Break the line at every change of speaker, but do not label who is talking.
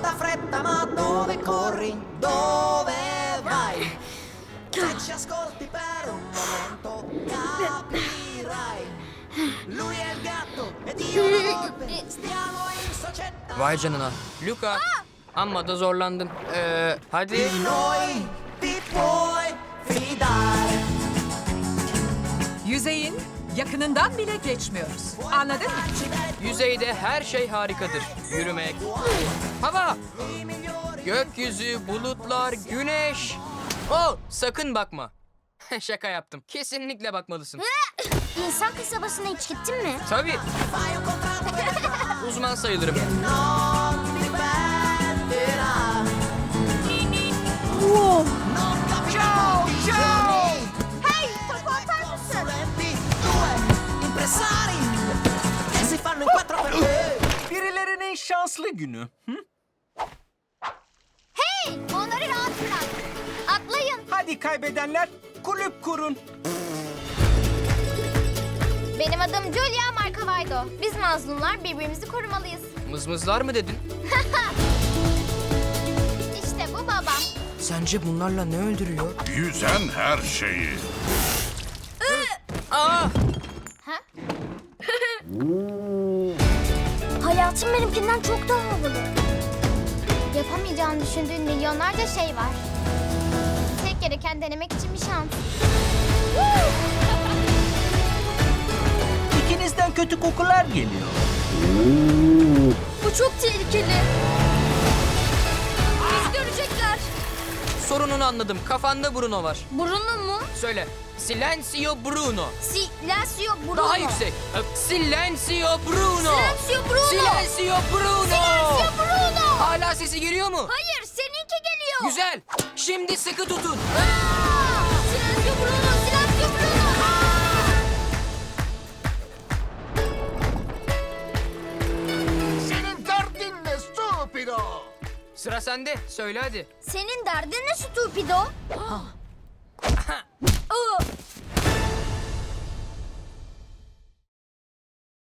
tanta fretta, ma dove corri? Dove vai? Se ci ascolti per un momento capirai. Lui è il gatto ed io la volpe. Stiamo in società.
Vay canına. Luka. Amma da zorlandın. Hadi.
Di noi ti puoi fidare.
Yüzeyin yakınından bile geçmiyoruz. Anladın mı?
Yüzeyde her şey harikadır. Yürümek, hava, gökyüzü, bulutlar, güneş. Oh, sakın bakma. Şaka yaptım. Kesinlikle bakmalısın.
İnsan kasabasına hiç gittin mi?
Tabii. Uzman sayılırım.
Non ti perderà.
Ciao, ciao.
Hey, topu atar mısın?
Solenti, due impresari che si fanno in quattro per te.
Birilerinin şanslı günü. Hı?
Hey, onları rahat bırak. Atlayın.
Hadi kaybedenler kulüp kurun.
Benim adım Julia Marcavaydo. Biz mazlumlar birbirimizi korumalıyız.
Mızmızlar mı dedin?
İşte bu babam.
Sence bunlarla ne öldürüyor?
Yüzen her şeyi.
Aa!
Hayatım benimkinden çok daha havalı. Yapamayacağını düşündüğün milyonlarca şey var. Tek gereken denemek için bir şans.
İkinizden kötü kokular geliyor.
Bu çok tehlikeli. Biz görecekler.
Sorununu anladım. Kafanda Bruno var.
Bruno mu?
Söyle. Silencio Bruno.
Silencio Bruno.
Daha yüksek. Silencio Bruno.
Silencio Bruno.
Silencio Bruno.
Silencio Bruno.
Hala sesi geliyor mu?
Hayır, seninki geliyor.
Güzel. Şimdi sıkı tutun.
Silencio Bruno, Silencio Bruno.
Senin derdin ne stupido?
Sıra sende. Söyle hadi.
Senin derdin ne stupido?